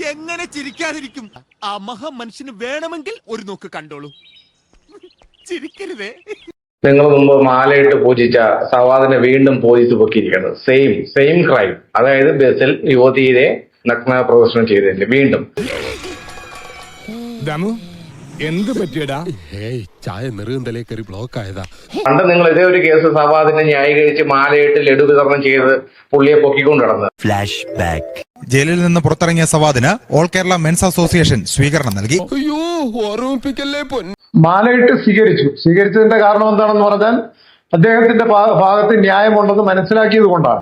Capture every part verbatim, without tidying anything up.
എങ്ങനെ ചിരിക്കാതിരിക്കും? ആ മഹാ മനുഷ്യന് വേണമെങ്കിൽ ഒരു നോക്ക് കണ്ടോളൂ. ചിരിക്കരുതേ. നിങ്ങൾ മുമ്പ് മാലയിട്ട് പൂജിച്ച സവാദിനെ വീണ്ടും പോലീസ് പൊക്കിയിരിക്കുന്നത്. Same same crime. അതായത് ബസ്സിൽ യുവതിയെ നഗ്ന പ്രദർശനം ചെയ്തതിന്റെ വീണ്ടും. എന്ത് പറ്റിയടാ? ഏയ് ചായ നെറുകന്തലേ കയറി ബ്ലോക്ക് ആയതാ. പണ്ട് നിങ്ങൾ ഇതേ ഒരു കേസ് സവാദിനെ ന്യായീകരിച്ച് മാലയിട്ട് ലഡു വിതരണം ചെയ്ത് പുള്ളിയെ പൊക്കിക്കൊണ്ട് നടന്നത്. Flashback. ജയിലിൽ നിന്ന് പുറത്തിറങ്ങിയ സവാദിന് ഓൾ കേരള മെൻസ് അസോസിയേഷൻ സ്വീകരണം നൽകി. അയ്യോ ഓർമ്മിപ്പിക്കല്ലേ പൊന്നു. മാലയിട്ട് സ്വീകരിച്ചു. സ്വീകരിച്ചതിന്റെ കാരണം എന്താണെന്ന് പറഞ്ഞാൽ അദ്ദേഹത്തിന്റെ ഭാഗത്ത് ന്യായമുണ്ടെന്ന് മനസ്സിലാക്കിയത് കൊണ്ടാണ്.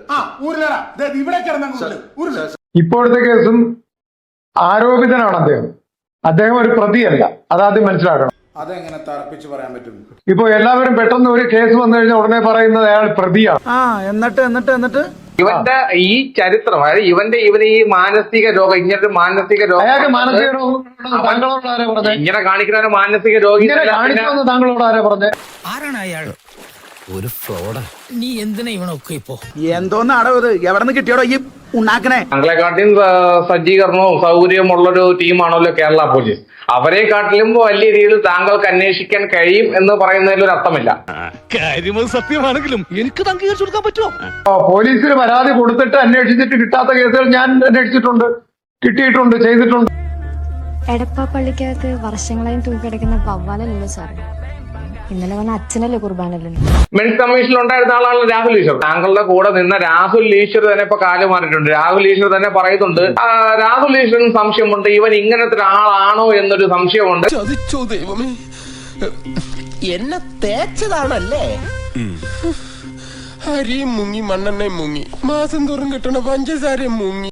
ഇപ്പോഴത്തെ കേസും ആരോപിതനാണ് അദ്ദേഹം. അദ്ദേഹം ഒരു പ്രതിയല്ല. അതാദ്യം മനസ്സിലാക്കണം. അതെങ്ങനെ തറപ്പിച്ച് പറയാൻ പറ്റും? ഇപ്പൊ എല്ലാവരും പെട്ടെന്ന് ഒരു കേസ് വന്നു കഴിഞ്ഞാൽ ഉടനെ പറയുന്നത് അയാൾ പ്രതിയാണ്. ആ എന്നിട്ട് എന്നിട്ട് എന്നിട്ട് ഇവന്റെ ഈ ചരിത്രം, അതായത് ഇവന്റെ ഇവന് ഈ മാനസിക രോഗം, ഇങ്ങനൊരു മാനസിക രോഗം, അയാൾക്ക് മാനസിക രോഗം താങ്കളോട് ആരാ പറഞ്ഞത്? ഇങ്ങനെ കാണിക്കുന്ന മാനസിക രോഗി കാണിക്കുമെന്ന് താങ്കളോട് ആരാ പറഞ്ഞത്? ആരാണ് അയാൾ? ഒരു ഫ്രോഡാ. നീ എന്തിനാ ഇവനൊക്കെ ഇപ്പോ? എന്തോന്നാടോ ഇത്? എവിടെ നിന്ന് കിട്ടിയോടോ ഈ ഉണ്ടാക്കണേ? താങ്കളെക്കാട്ടിലും സജ്ജീകരണവും സൗകര്യവും ഉള്ളൊരു ടീമാണല്ലോ കേരള പോലീസ്. അവരെ കാട്ടിലും വലിയ രീതിയിൽ താങ്കൾക്ക് അന്വേഷിക്കാൻ കഴിയും എന്ന് പറയുന്നതിൽ ഒരു അർത്ഥമില്ല. കാര്യം സത്യമാണെങ്കിലും എനിക്ക് അംഗീകരിച്ചു കൊടുക്കാൻ പറ്റുമോ? പോലീസിന് പരാതി കൊടുത്തിട്ട് അന്വേഷിച്ചിട്ട് കിട്ടാത്ത കേസുകൾ ഞാൻ അന്വേഷിച്ചിട്ടുണ്ട്, കിട്ടിയിട്ടുണ്ട്, ചെയ്തിട്ടുണ്ട്. എടപ്പാപ്പള്ളിക്കകത്ത് വർഷങ്ങളായും തൂക്കിടക്കുന്ന വവ്വാലല്ലോ സാറേ. ഇന്നലെ വന്ന അച്ഛനല്ലേ കുർബാനല്ലോ. മെൻസ് കമ്മീഷനിൽ ഉണ്ടായിരുന്ന ആളാണ് രാഹുൽ ഈശ്വർ. താങ്കളുടെ കൂടെ നിന്ന രാഹുൽ ഈശ്വർ തന്നെ ഇപ്പൊ കാലം മാറിയിട്ടുണ്ട്. രാഹുൽ ഈശ്വർ തന്നെ പറയുന്നുണ്ട്, രാഹുൽ ഈശ്വറിന് സംശയമുണ്ട്, ഇവൻ ഇങ്ങനത്തെ ഒരാളാണോ എന്നൊരു സംശയമുണ്ട്. ചതിച്ചോ ദൈവമേ, എന്നെ തേച്ചതാണല്ലേ? അരിയും മുങ്ങി മണ്ണെണ്ണയും മുങ്ങി മാസം തോറും കിട്ടണ പഞ്ചസാരയും മുങ്ങി.